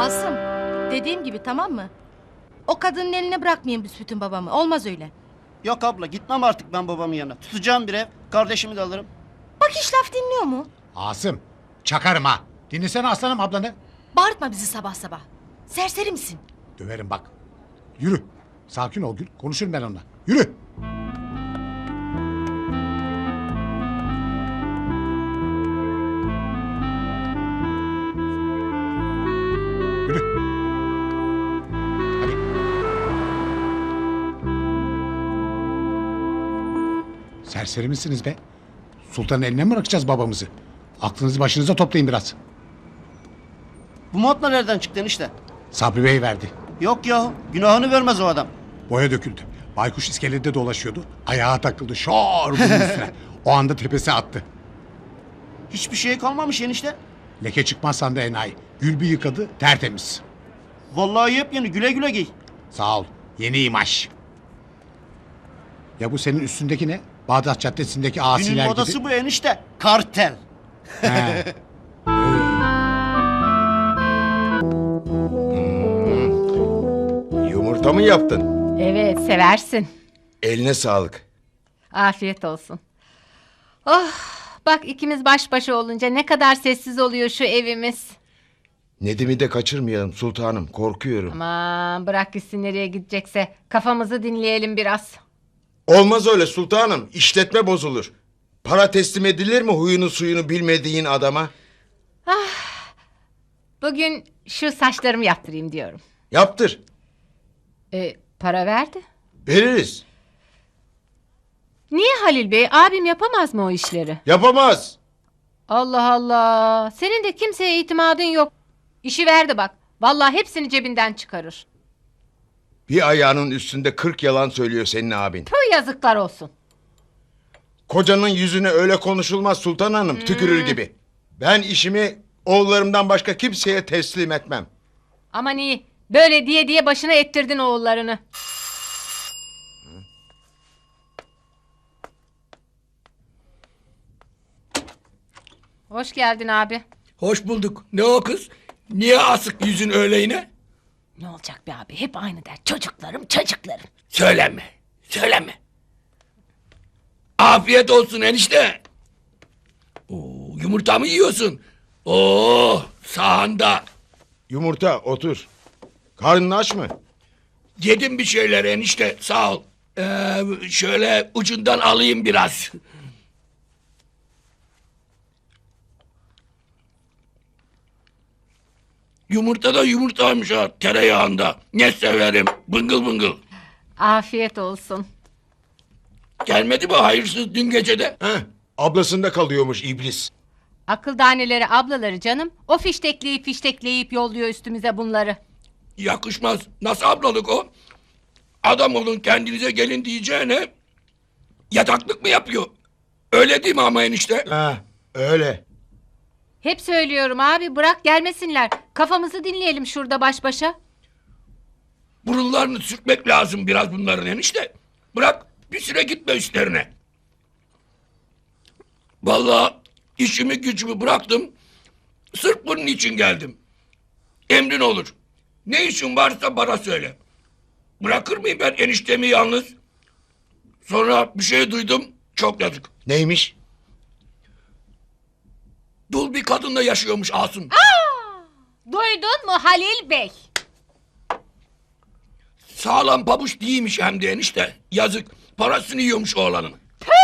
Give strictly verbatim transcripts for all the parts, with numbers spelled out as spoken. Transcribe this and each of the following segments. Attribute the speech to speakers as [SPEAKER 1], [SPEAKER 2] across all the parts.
[SPEAKER 1] Asım, dediğim gibi tamam mı? O kadının eline bırakmayın büsbütün babamı. Olmaz öyle.
[SPEAKER 2] Yok abla gitmem artık ben babamın yanına. Tutacağım bir ev. Kardeşimi de alırım.
[SPEAKER 1] Bak hiç laf dinliyor mu?
[SPEAKER 3] Asım çakarım ha. Dinlesene aslanım ablanı.
[SPEAKER 1] Bağırtma bizi sabah sabah. Serseri misin?
[SPEAKER 3] Döverim bak. Yürü. Sakin ol Gül. Konuşurum ben onunla. Yürü. Yürü. Hadi. Serseri misiniz be? Sultanın eline mi bırakacağız babamızı? Aklınızı başınıza toplayın biraz.
[SPEAKER 2] Bu montla nereden çıktı enişte?
[SPEAKER 3] Sabri Bey verdi.
[SPEAKER 2] Yok ya günahını vermez o adam.
[SPEAKER 3] Boya döküldü. Baykuş iskelede dolaşıyordu. Ayağa takıldı. Şor bunun üstüne. O anda tepesi attı.
[SPEAKER 2] Hiçbir şey kalmamış enişte.
[SPEAKER 3] Leke çıkmaz sandı enayi. Gül bir yıkadı tertemiz.
[SPEAKER 2] Vallahi yepyeni güle güle giy.
[SPEAKER 3] Sağ ol. Yeni imaj. Ya bu senin üstündeki ne? Bağdat Caddesi'ndeki
[SPEAKER 2] Günün
[SPEAKER 3] asiler
[SPEAKER 2] modası
[SPEAKER 3] gibi.
[SPEAKER 2] bu enişte. Kartel.
[SPEAKER 3] He.
[SPEAKER 4] Yumurta mı yaptın?
[SPEAKER 5] Evet, seversin.
[SPEAKER 4] Eline sağlık.
[SPEAKER 5] Afiyet olsun. Oh, bak ikimiz baş başa olunca ne kadar sessiz oluyor şu evimiz.
[SPEAKER 4] Nedim'i de kaçırmayalım sultanım, korkuyorum.
[SPEAKER 5] Aman bırak gitsin nereye gidecekse. Kafamızı dinleyelim biraz.
[SPEAKER 4] Olmaz öyle sultanım, işletme bozulur. Para teslim edilir mi huyunu suyunu bilmediğin adama?
[SPEAKER 5] Bugün şu saçlarımı yaptırayım diyorum.
[SPEAKER 4] Yaptır,
[SPEAKER 5] E, para verdi.
[SPEAKER 4] veririz.
[SPEAKER 5] Niye Halil Bey? Abim yapamaz mı o işleri?
[SPEAKER 4] Yapamaz.
[SPEAKER 5] Allah Allah. Senin de kimseye itimadın yok. İşi verdi bak. Vallahi hepsini cebinden çıkarır.
[SPEAKER 4] Bir ayağının üstünde kırk yalan söylüyor senin abin.
[SPEAKER 5] Tüh yazıklar olsun.
[SPEAKER 4] Kocanın yüzüne öyle konuşulmaz sultan hanım, tükürür gibi. Ben işimi oğullarımdan başka kimseye teslim etmem.
[SPEAKER 5] Aman iyi. Böyle diye diye başına ettirdin oğullarını. Hoş geldin abi.
[SPEAKER 6] Hoş bulduk. Ne o kız? Niye asık yüzün öyle yine?
[SPEAKER 5] Ne olacak be abi? Hep aynı der. Çocuklarım, çocuklarım.
[SPEAKER 6] Söyleme. Söyleme. Afiyet olsun enişte. Oo, yumurta mı yiyorsun? Oo, sahanda.
[SPEAKER 4] Yumurta otur. Karnın aç mı?
[SPEAKER 6] Yedim bir şeyler enişte sağ ol. Ee, şöyle ucundan alayım biraz. Yumurta da yumurtaymış ha tereyağında. Ne severim. Bıngıl bıngıl.
[SPEAKER 5] Afiyet olsun.
[SPEAKER 6] Gelmedi mi hayırsız dün gecede?
[SPEAKER 4] Heh, ablasında kalıyormuş iblis.
[SPEAKER 5] Akıl daneleri ablaları canım. O fiştekleyip fiştekleyip yolluyor üstümüze bunları.
[SPEAKER 6] Yakışmaz. Nasıl ablalık o? Adam olun kendinize gelin diyeceğine yataklık mı yapıyor? Öyle değil mi ama enişte?
[SPEAKER 4] Ha, öyle.
[SPEAKER 5] Hep söylüyorum abi bırak gelmesinler. Kafamızı dinleyelim şurada baş başa.
[SPEAKER 6] Burunlarını sürtmek lazım biraz bunların enişte. Bırak bir süre gitme üstlerine. Vallahi işimi gücümü bıraktım. Sırf bunun için geldim. Emrin olur. Ne işin varsa bana söyle. Bırakır mıyım ben eniştemi yalnız? Sonra bir şey duydum. Çok yazık.
[SPEAKER 4] Neymiş?
[SPEAKER 6] Dul bir kadınla yaşıyormuş Asım.
[SPEAKER 5] Duydun mu Halil Bey?
[SPEAKER 6] Sağlam pabuç değilmiş hem de enişte. Yazık. Parasını yiyormuş oğlanın.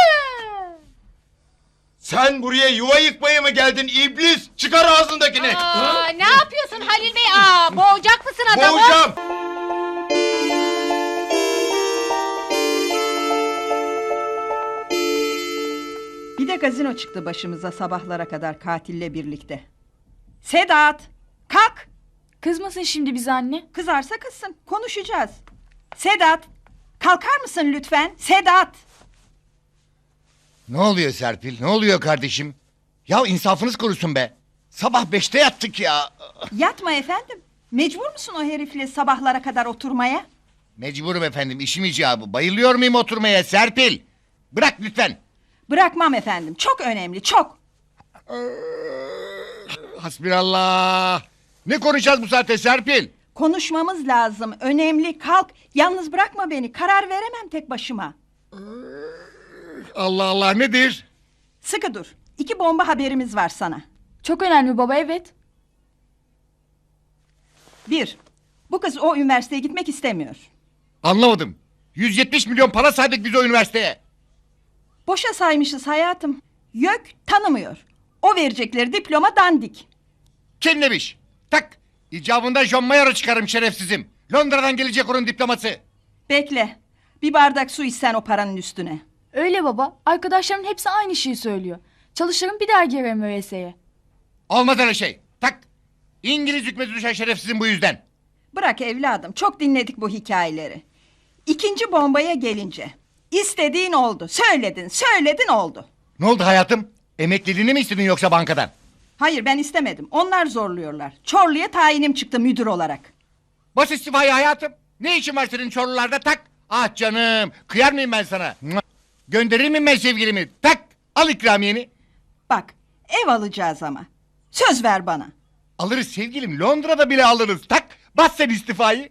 [SPEAKER 4] Sen buraya yuva yıkmaya mı geldin iblis? Çıkar ağzındakini.
[SPEAKER 5] Aa, ne yapıyorsun Halil Bey? Aa, boğacak mısın adamı?
[SPEAKER 4] Boğacağım.
[SPEAKER 7] Bir de gazino çıktı başımıza sabahlara kadar katille birlikte. Sedat, kalk.
[SPEAKER 8] Kızmasın şimdi bize anne.
[SPEAKER 7] Kızarsa kızsın, konuşacağız. Sedat, kalkar mısın lütfen? Sedat.
[SPEAKER 9] Ne oluyor Serpil? Ne oluyor kardeşim? Ya insafınız korusun be. Sabah beşte yattık ya.
[SPEAKER 7] Yatma efendim. Mecbur musun o herifle sabahlara kadar oturmaya?
[SPEAKER 9] Mecburum efendim, işim icabı. Bayılıyor muyum oturmaya Serpil? Bırak lütfen.
[SPEAKER 7] Bırakmam efendim. Çok önemli, çok.
[SPEAKER 9] Hasbinallah. Ne konuşacağız bu saatte Serpil?
[SPEAKER 7] Konuşmamız lazım. Önemli. Kalk. Yalnız bırakma beni. Karar veremem tek başıma.
[SPEAKER 9] Allah Allah nedir?
[SPEAKER 7] Sıkı dur. İki bomba haberimiz var sana.
[SPEAKER 8] Çok önemli baba, evet.
[SPEAKER 7] Bir, bu kız o üniversiteye gitmek istemiyor.
[SPEAKER 9] Anlamadım. yüz yetmiş milyon para saydık biz o üniversiteye.
[SPEAKER 7] Boşa saymışız hayatım. YÖK tanımıyor. O verecekleri diploma dandik.
[SPEAKER 9] Kennemiş. Tak. İcabında John Mayer'ı çıkarım şerefsizim. Londra'dan gelecek onun diploması.
[SPEAKER 7] Bekle. Bir bardak su içsen o paranın üstüne.
[SPEAKER 8] Öyle baba. Arkadaşlarımın hepsi aynı şeyi söylüyor. Çalışırım bir daha girerim Ö S S'ye.
[SPEAKER 9] Olmaz öyle şey. Tak. İngiliz hükmeti düşen şerefsizim bu yüzden.
[SPEAKER 7] Bırak evladım. Çok dinledik bu hikayeleri. İkinci bombaya gelince. İstediğin oldu. Söyledin, söyledin oldu.
[SPEAKER 9] Ne oldu hayatım? Emekliliğini mi istedin yoksa bankadan?
[SPEAKER 7] Hayır ben istemedim. Onlar zorluyorlar. Çorlu'ya tayinim çıktı müdür olarak.
[SPEAKER 9] Bas istifayı hayatım. Ne işin var senin Çorlularda tak. Ah canım. Kıyar mıyım ben sana? Mua. Gönderir miyim ben sevgilimi? Tak. Al ikramiyeni.
[SPEAKER 7] Bak ev alacağız ama. Söz ver bana.
[SPEAKER 9] Alırız sevgilim. Londra'da bile alırız. Tak. Bas sen istifayı.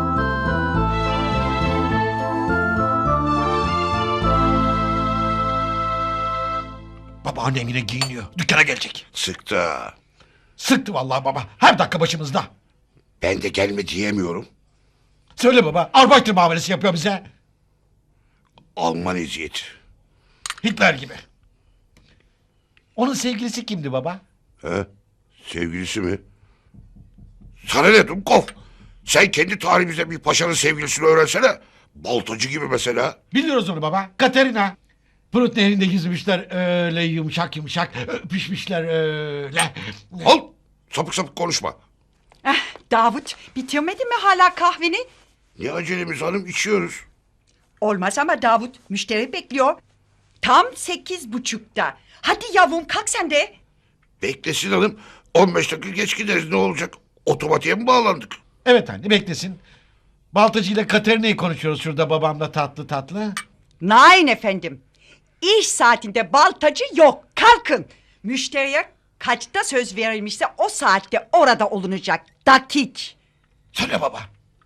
[SPEAKER 3] Baba annen yine giyiniyor. Dükkana gelecek.
[SPEAKER 10] Sıktı.
[SPEAKER 3] Sıktı vallahi baba. Her dakika başımızda.
[SPEAKER 10] Ben de gelme diyemiyorum.
[SPEAKER 3] Söyle baba. Arbeiter muamelesi yapıyor bize.
[SPEAKER 10] Alman eziyeti.
[SPEAKER 3] Hitler gibi. Onun sevgilisi kimdi baba?
[SPEAKER 10] He? Sevgilisi mi? Sana ne Dumkov? Sen kendi tarihimizde bir paşanın sevgilisini öğrensene. Baltacı gibi mesela.
[SPEAKER 3] Biliyoruz onu baba. Katerina. Prut nehrinde yüzmüşler öyle yumuşak yumuşak. Öpüşmüşler öyle.
[SPEAKER 10] Al! Sapık sapık konuşma.
[SPEAKER 7] Eh, Davut bitirmedin mi hala kahveni?
[SPEAKER 10] Ne acelemiz hanım, içiyoruz.
[SPEAKER 7] Olmaz ama Davut müşteri bekliyor. Tam sekiz buçukta. Hadi yavrum kalk sen de.
[SPEAKER 10] Beklesin hanım. on beş dakika geç gideriz, ne olacak? Otomatiğe mi bağlandık?
[SPEAKER 3] Evet anne beklesin. Baltacı ile Katerina'yı konuşuyoruz şurada babamla tatlı tatlı.
[SPEAKER 11] Nein efendim. İş saatinde baltacı yok. Kalkın. Müşteriye kaçta söz verilmişse o saatte orada olunacak. Dakik.
[SPEAKER 3] Söyle baba.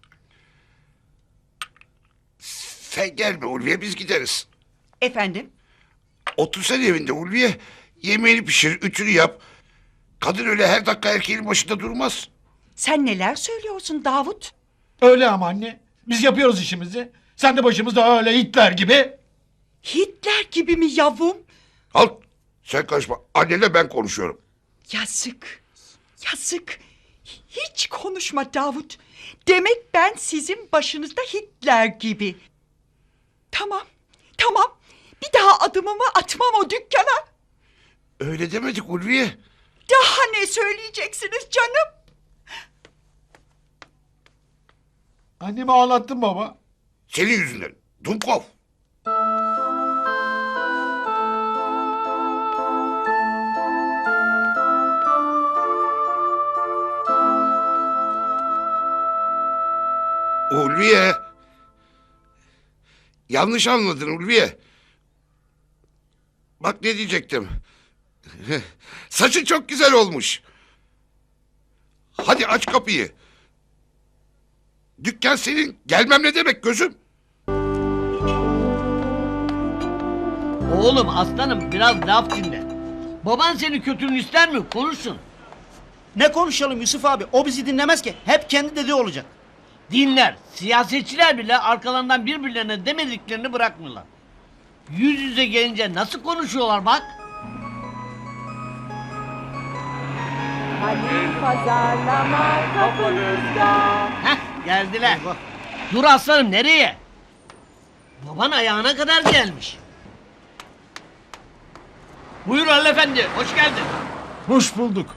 [SPEAKER 10] Sen gelme Ulviye, biz gideriz.
[SPEAKER 11] Efendim?
[SPEAKER 10] Otursan evinde Ulviye. Yemeğini pişir, ütünü yap. Kadın öyle her dakika erkeğin başında durmaz.
[SPEAKER 11] Sen neler söylüyorsun Davut?
[SPEAKER 3] Öyle ama anne. Biz yapıyoruz işimizi. Sen de başımızda öyle Hitler gibi.
[SPEAKER 11] Hitler gibi mi yavrum?
[SPEAKER 10] Al, sen karışma. Annenle ben konuşuyorum.
[SPEAKER 11] Yazık. Yazık. Hiç konuşma Davut. Demek ben sizin başınızda Hitler gibi. Tamam. Tamam. Bir daha adımımı atmam o dükkana.
[SPEAKER 10] Öyle demedik Ulviye.
[SPEAKER 11] Daha ne söyleyeceksiniz canım?
[SPEAKER 3] Annemi ağlattın baba.
[SPEAKER 10] Senin yüzünden. Dumkov. Ulviye. Yanlış anladın Ulviye. Bak ne diyecektim. Saçın çok güzel olmuş. Hadi aç kapıyı. Dükkan senin. Gelmem ne demek gözüm?
[SPEAKER 12] Oğlum aslanım biraz laf dinle. Baban senin kötülüğünü ister mi? Konuşsun.
[SPEAKER 2] Ne konuşalım Yusuf abi? O bizi dinlemez ki. Hep kendi dediği olacak.
[SPEAKER 12] Dinler. Siyasetçiler bile arkalarından birbirlerine demediklerini bırakmıyorlar. Yüz yüze gelince nasıl konuşuyorlar bak.
[SPEAKER 11] Hadi pazarlama kapınızda.
[SPEAKER 12] Heh geldiler. Dur aslanım nereye? Baban ayağına kadar gelmiş. Buyur Halil Efendi, hoş geldin.
[SPEAKER 3] Hoş bulduk.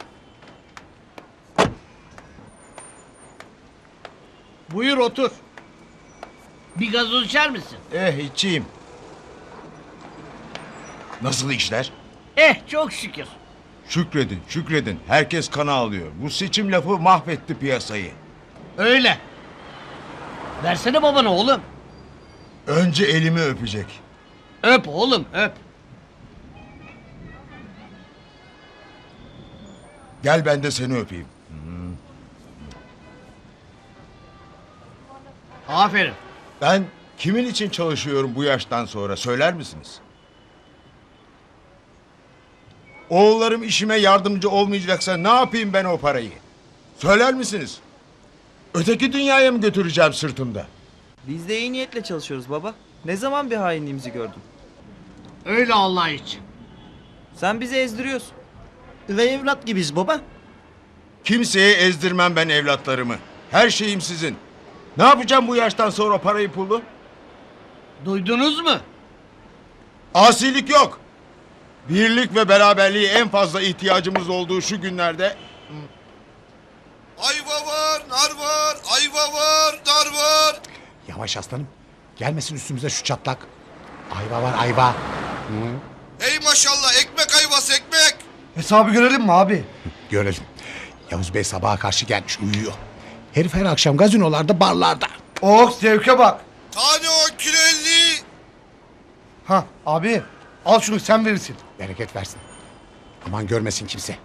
[SPEAKER 12] Buyur otur. Bir gazoz içer misin?
[SPEAKER 4] Eh içeyim. Nasıl işler?
[SPEAKER 12] Eh çok şükür.
[SPEAKER 4] Şükredin, şükredin. Herkes kana alıyor. Bu seçim lafı mahvetti piyasayı.
[SPEAKER 12] Öyle. Versene babana oğlum.
[SPEAKER 4] Önce elimi öpecek.
[SPEAKER 12] Öp oğlum öp.
[SPEAKER 4] Gel ben de seni öpeyim. Hmm.
[SPEAKER 12] Aferin.
[SPEAKER 4] Ben kimin için çalışıyorum bu yaştan sonra söyler misiniz? Oğullarım işime yardımcı olmayacaksa ne yapayım ben o parayı? Söyler misiniz? Öteki dünyaya mı götüreceğim sırtımda?
[SPEAKER 13] Biz de iyi niyetle çalışıyoruz baba. Ne zaman bir hainliğimizi gördün?
[SPEAKER 12] Öyle Allah için.
[SPEAKER 13] Sen bizi ezdiriyorsun.
[SPEAKER 2] Ve evlat gibiyiz baba.
[SPEAKER 4] Kimseye ezdirmem ben evlatlarımı. Her şeyim sizin. Ne yapacağım bu yaştan sonra parayı pulu?
[SPEAKER 12] Duydunuz mu?
[SPEAKER 4] Asilik yok. Birlik ve beraberliğe en fazla ihtiyacımız olduğu şu günlerde...
[SPEAKER 10] Ayva var, nar var, ayva var, nar var.
[SPEAKER 9] Yavaş aslanım. Gelmesin üstümüze şu çatlak. Ayva var ayva.
[SPEAKER 10] Ey maşallah ekmek ayvası ekmek.
[SPEAKER 9] Hesabı görelim mi abi? Görelim. Yavuz Bey sabaha karşı gelmiş uyuyor. Herif her akşam gazinolarda barlarda.
[SPEAKER 14] Oh zevke bak.
[SPEAKER 10] Tane on kilo elli.
[SPEAKER 14] Ha abi al şunu sen verirsin.
[SPEAKER 9] Bereket versin. Aman görmesin kimse.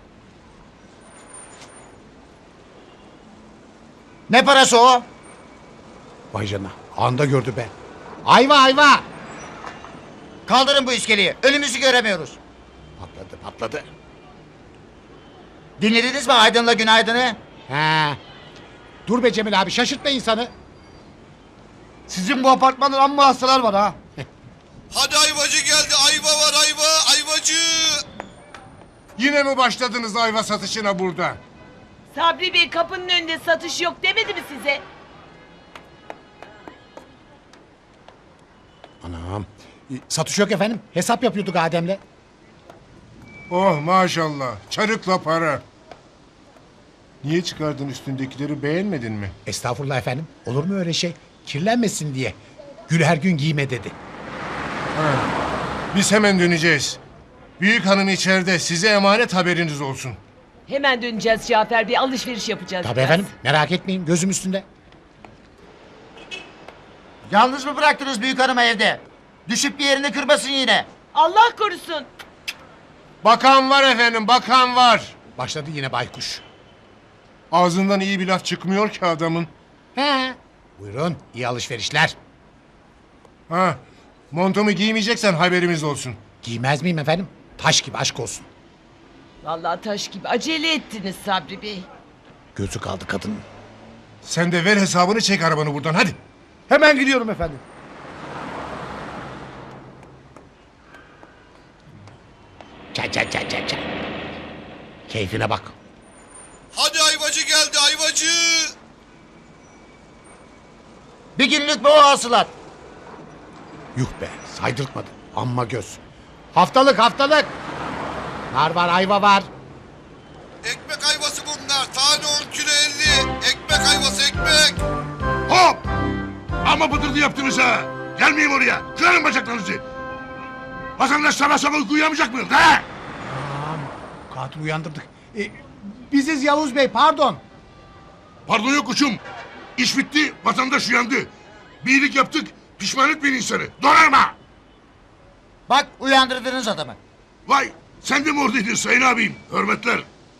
[SPEAKER 14] Ne parası o?
[SPEAKER 9] Vay canına anda gördü be. Ayva ayva.
[SPEAKER 14] Kaldırın bu iskeleyi. Önümüzü göremiyoruz.
[SPEAKER 9] Patladı patladı.
[SPEAKER 14] Dinlediniz mi Aydın'la Günaydın'ı?
[SPEAKER 9] He. Dur be Cemil abi şaşırtma insanı.
[SPEAKER 14] Sizin bu apartmanda amma hastalar var ha.
[SPEAKER 10] Hadi ayvacı geldi, ayva var ayva, ayvacı.
[SPEAKER 4] Yine mi başladınız ayva satışına burada?
[SPEAKER 15] Sabri Bey kapının önünde satış yok demedi mi size?
[SPEAKER 9] Anam. E, Satış yok efendim. Hesap yapıyorduk Adem'le.
[SPEAKER 4] Oh maşallah. Çarıkla para. Niye çıkardın üstündekileri beğenmedin mi?
[SPEAKER 9] Estağfurullah efendim. Olur mu öyle şey? Kirlenmesin diye. Gül her gün giyme dedi.
[SPEAKER 4] Ha. Biz hemen döneceğiz. Büyük hanım içeride, size emanet haberiniz olsun.
[SPEAKER 15] Hemen döneceğiz Cafer Bey, alışveriş yapacağız.
[SPEAKER 9] Tabii
[SPEAKER 15] biraz.
[SPEAKER 9] efendim. Merak etmeyin. Gözüm üstünde.
[SPEAKER 14] Yalnız mı bıraktınız büyük hanımı evde? Düşüp bir yerini kırmasın yine.
[SPEAKER 15] Allah korusun.
[SPEAKER 4] Bakan var efendim, bakan var.
[SPEAKER 9] Başladı yine baykuş.
[SPEAKER 4] Ağzından iyi bir laf çıkmıyor ki adamın.
[SPEAKER 9] He. Buyurun. İyi alışverişler.
[SPEAKER 4] Ha, montumu giymeyeceksen haberimiz olsun.
[SPEAKER 9] Giymez miyim efendim? Taş gibi aşk olsun.
[SPEAKER 15] Vallahi taş gibi acele ettiniz Sabri Bey.
[SPEAKER 9] Gözü kaldı kadının.
[SPEAKER 4] Sen de ver hesabını, çek arabanı buradan hadi.
[SPEAKER 14] Hemen gidiyorum efendim.
[SPEAKER 9] Çay çay çay çay çay. Keyfine bak.
[SPEAKER 10] Hadi ayvacı geldi, ayvacı.
[SPEAKER 14] Bir günlük bu hasılat.
[SPEAKER 9] Yuh be saydırtmadı. Amma göz. Haftalık haftalık. Nar var ayva var.
[SPEAKER 10] Ekmek ayvası bunlar. Tane on kilo elli. Ekmek ayvası ekmek.
[SPEAKER 6] Hop! Ama bıdırdı yaptınız ha. Gelmeyeyim oraya. Kırarım bacaklarınızı. Vatandaş sabah sabah uyku uyuyamayacak mıyız ha?
[SPEAKER 9] Tamam. Katil uyandırdık. E, biziz Yavuz Bey pardon.
[SPEAKER 6] Pardon yok uçum. İş bitti, vatandaş uyandı. Bir iyilik yaptık, pişman etmeyin insanı. Donarma!
[SPEAKER 14] Bak uyandırdınız adamı.
[SPEAKER 6] Vay, sen de mi oradaydın sayın abim? Hürmetler.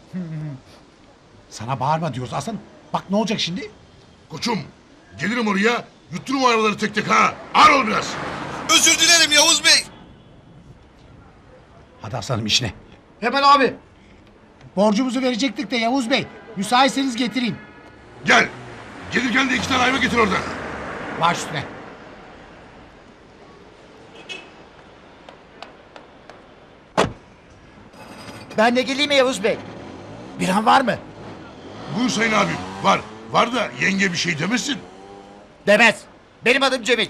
[SPEAKER 9] Sana bağırma diyoruz Hasan. Bak ne olacak şimdi?
[SPEAKER 6] Koçum, gelirim oraya, yutturum o arabaları tek tek ha. Ağır ol biraz.
[SPEAKER 10] Özür dilerim Yavuz Bey.
[SPEAKER 9] Hadi Hasan'ım işine.
[SPEAKER 14] Hemen abi.
[SPEAKER 9] Borcumuzu verecektik de Yavuz Bey. Müsaitseniz getireyim.
[SPEAKER 6] Gel. Gelirken de iki tane ayva getir oradan.
[SPEAKER 9] Baş üstüne.
[SPEAKER 14] Ben de geleyim mi Yavuz Bey?
[SPEAKER 9] Bir an var mı?
[SPEAKER 6] Buyur sayın abim. Var. Var da yenge bir şey demesin.
[SPEAKER 14] Demez. Benim adım Cemil.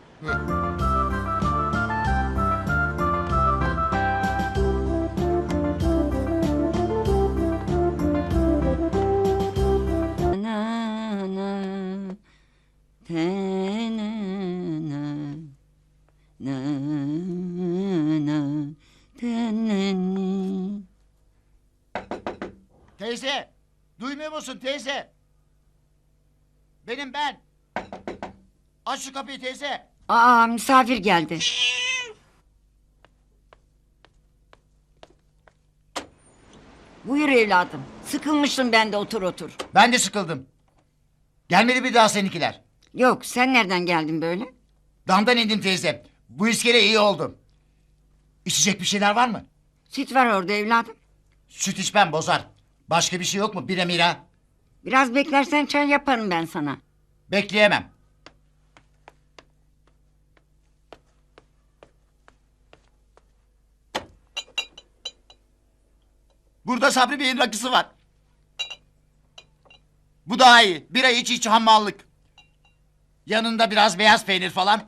[SPEAKER 14] Teyze, duymuyor musun teyze? Benim ben. Aç şu kapıyı teyze.
[SPEAKER 11] Aa misafir geldi. Buyur evladım. Sıkılmıştım ben de otur otur.
[SPEAKER 14] Ben de sıkıldım. Gelmedi bir daha seninkiler.
[SPEAKER 16] Yok, sen nereden geldin böyle?
[SPEAKER 14] Damdan indim teyze. Bu iskele iyi oldu. İçecek bir şeyler var mı?
[SPEAKER 16] Süt var orada evladım.
[SPEAKER 14] Süt içmem bozar. Başka bir şey yok mu? Bir emira.
[SPEAKER 16] Biraz beklersen çay yaparım ben sana.
[SPEAKER 14] Bekleyemem. Burada Sabri Bey'in rakısı var. Bu daha iyi. Bira iç iç hammallık. Yanında biraz beyaz peynir falan.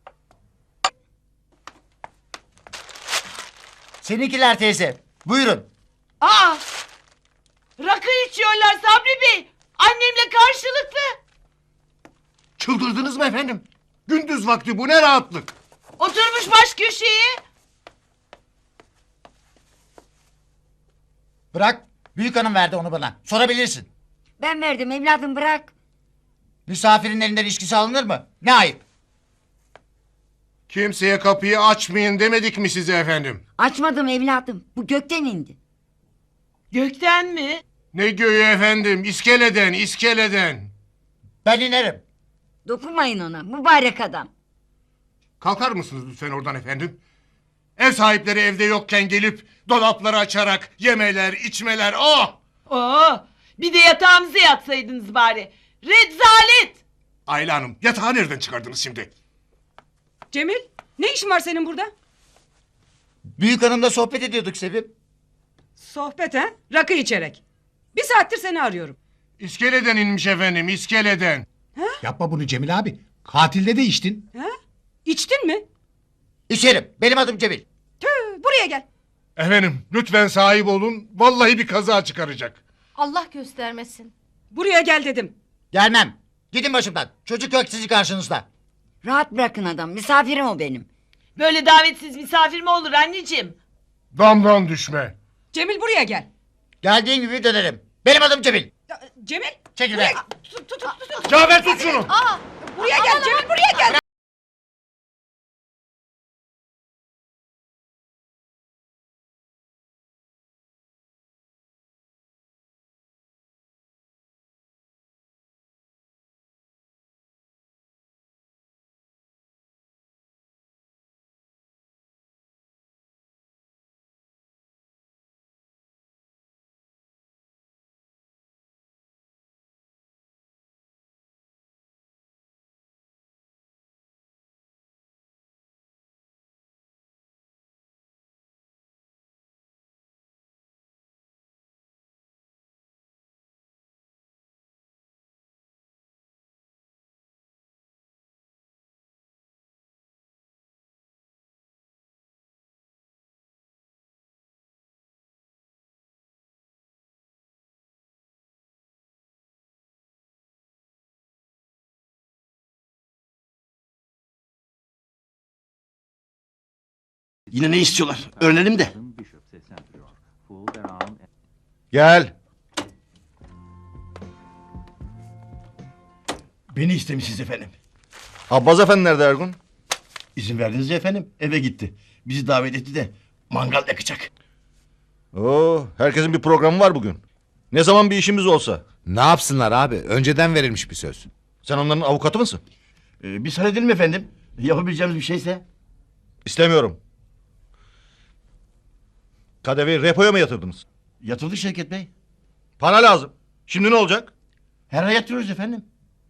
[SPEAKER 14] Seninkiler teyze. Buyurun.
[SPEAKER 15] Aa! Rakı içiyorlar Sabri Bey. Annemle karşılıklı.
[SPEAKER 4] Çıldırdınız mı efendim? Gündüz vakti bu ne rahatlık.
[SPEAKER 15] Oturmuş baş köşeye.
[SPEAKER 14] Bırak. Büyük hanım verdi onu bana. Sorabilirsin.
[SPEAKER 16] Ben verdim evladım, bırak.
[SPEAKER 14] Misafirin elinden içkisi alınır mı? Ne ayıp.
[SPEAKER 4] Kimseye kapıyı açmayın demedik mi size efendim?
[SPEAKER 16] Açmadım evladım. Bu gökten indi.
[SPEAKER 15] Gökten mi?
[SPEAKER 4] Ne göğü efendim? İskeleden, iskeleden.
[SPEAKER 14] Ben inerim.
[SPEAKER 16] Dokunmayın ona mübarek adam.
[SPEAKER 4] Kalkar mısınız lütfen oradan efendim? Ev sahipleri evde yokken gelip dolapları açarak yemeler, içmeler, oh!
[SPEAKER 15] Oo, bir de yatağımıza yatsaydınız bari. Rezalet!
[SPEAKER 4] Ayla Hanım, yatağı nereden çıkardınız şimdi?
[SPEAKER 17] Cemil, ne işin var senin burada?
[SPEAKER 14] Büyük hanımla sohbet ediyorduk Sevim.
[SPEAKER 17] Sohbet ha? Rakı içerek. Bir saattir seni arıyorum.
[SPEAKER 4] İskeleden inmiş efendim, iskeleden.
[SPEAKER 3] Yapma bunu Cemil abi. Katilde de içtin.
[SPEAKER 17] Ha? İçtin mi?
[SPEAKER 14] İçerim. Benim adım Cemil.
[SPEAKER 17] Tüh, buraya gel.
[SPEAKER 4] Efendim, lütfen sahip olun. Vallahi bir kaza çıkaracak.
[SPEAKER 1] Allah göstermesin.
[SPEAKER 17] Buraya gel dedim.
[SPEAKER 14] Gelmem. Gidin başımdan. Çocuk yok sizi karşınızda.
[SPEAKER 16] Rahat bırakın adam, misafirim o benim.
[SPEAKER 15] Böyle davetsiz misafir mi olur anneciğim?
[SPEAKER 4] Damdan düşme.
[SPEAKER 17] Cemil buraya gel.
[SPEAKER 14] Geldiğin gibi dönerim. Benim adım Cemil.
[SPEAKER 17] Cemil.
[SPEAKER 14] Çekil
[SPEAKER 17] buraya...
[SPEAKER 14] be.
[SPEAKER 17] Tut, tut, tut, tut.
[SPEAKER 4] Cafer tut şunu.
[SPEAKER 17] Aa, buraya gel Cemil, buraya gel.
[SPEAKER 2] Yine ne istiyorlar? Öğrenelim de.
[SPEAKER 4] Gel.
[SPEAKER 3] Beni istemişsiniz efendim.
[SPEAKER 4] Abbas efendi nerede Ergun?
[SPEAKER 3] İzin verdiniz ya efendim. Eve gitti. Bizi davet etti de mangal yakacak.
[SPEAKER 18] Oo, herkesin bir programı var bugün. Ne zaman bir işimiz olsa.
[SPEAKER 9] Ne yapsınlar abi? Önceden verilmiş bir söz.
[SPEAKER 18] Sen onların avukatı mısın?
[SPEAKER 3] Ee, biz halledelim efendim. Yapabileceğimiz bir şeyse.
[SPEAKER 18] İstemiyorum. Kadevi repoya mı yatırdınız?
[SPEAKER 3] Yatırdı Şevket Bey.
[SPEAKER 18] Para lazım. Şimdi ne olacak?
[SPEAKER 3] Her ay yatırıyoruz efendim.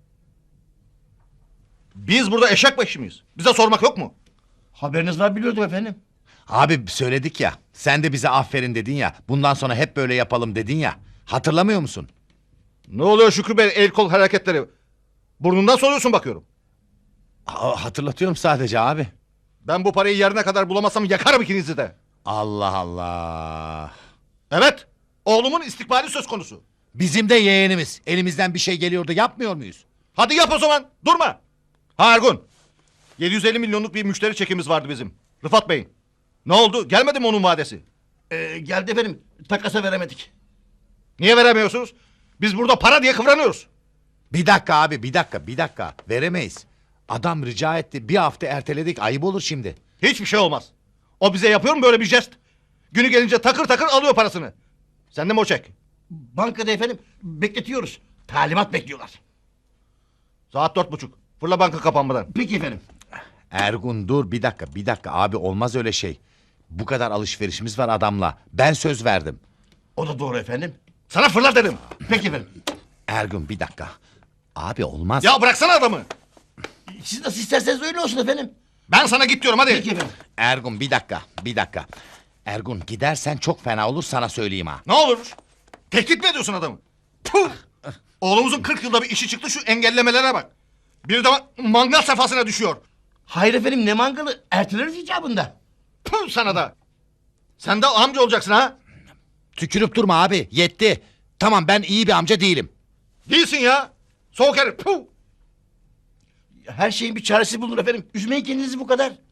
[SPEAKER 18] Biz burada eşek başı mıyız? Bize sormak yok mu?
[SPEAKER 3] Haberiniz var biliyordum efendim.
[SPEAKER 9] Abi söyledik ya. Sen de bize aferin dedin ya. Bundan sonra hep böyle yapalım dedin ya. Hatırlamıyor musun?
[SPEAKER 18] Ne oluyor Şükrü Bey, el kol hareketleri? Burnundan soruyorsun bakıyorum.
[SPEAKER 9] Aa, hatırlatıyorum sadece abi.
[SPEAKER 18] Ben bu parayı yerine kadar bulamazsam yakarım ikinizi de.
[SPEAKER 9] Allah Allah.
[SPEAKER 18] Evet, oğlumun istikbali söz konusu.
[SPEAKER 9] Bizim de yeğenimiz. Elimizden bir şey geliyordu, yapmıyor muyuz?
[SPEAKER 18] Hadi yap o zaman, durma. Ha Ergun, yedi yüz elli milyonluk bir müşteri çekimiz vardı bizim. Rıfat Bey'in. Ne oldu, gelmedi mi onun vadesi?
[SPEAKER 3] Ee, geldi efendim. Takasa veremedik.
[SPEAKER 18] Niye veremiyorsunuz? Biz burada para diye kıvranıyoruz.
[SPEAKER 9] Bir dakika abi, bir dakika, bir dakika. Veremeyiz. Adam rica etti, bir hafta erteledik, ayıp olur şimdi.
[SPEAKER 18] Hiçbir şey olmaz. O bize yapıyor mu böyle bir jest? Günü gelince takır takır alıyor parasını. Sende mi o çek?
[SPEAKER 3] Bankada efendim bekletiyoruz. Talimat bekliyorlar.
[SPEAKER 18] Saat dört buçuk. Fırla banka kapanmadan.
[SPEAKER 14] Peki efendim.
[SPEAKER 19] Ergun dur bir dakika bir dakika abi olmaz öyle şey. Bu kadar alışverişimiz var adamla. Ben söz verdim.
[SPEAKER 14] O da doğru efendim.
[SPEAKER 18] Sana fırla dedim.
[SPEAKER 14] Peki efendim.
[SPEAKER 19] Ergun bir dakika. Abi olmaz.
[SPEAKER 18] Ya bıraksana adamı.
[SPEAKER 14] Siz nasıl isterseniz öyle olsun efendim.
[SPEAKER 18] Ben sana git diyorum hadi.
[SPEAKER 14] Peki efendim.
[SPEAKER 19] Ergun bir dakika bir dakika. Ergun gidersen çok fena olur sana söyleyeyim ha.
[SPEAKER 18] Ne olur? Tehdit mi ediyorsun adamı? Puh! Oğlumuzun kırk yılda bir işi çıktı şu engellemelere bak. Bir de mangal sefasına düşüyor.
[SPEAKER 14] Hayır efendim ne mangalı erteleriz icabında.
[SPEAKER 18] Puh sana da. Sen de amca olacaksın ha?
[SPEAKER 19] Tükürüp durma abi yetti. Tamam ben iyi bir amca değilim.
[SPEAKER 18] Değilsin ya. Soğuk herif. Puh!
[SPEAKER 14] Her şeyin bir çaresi bulunur efendim. Üzmeyin kendinizi bu kadar.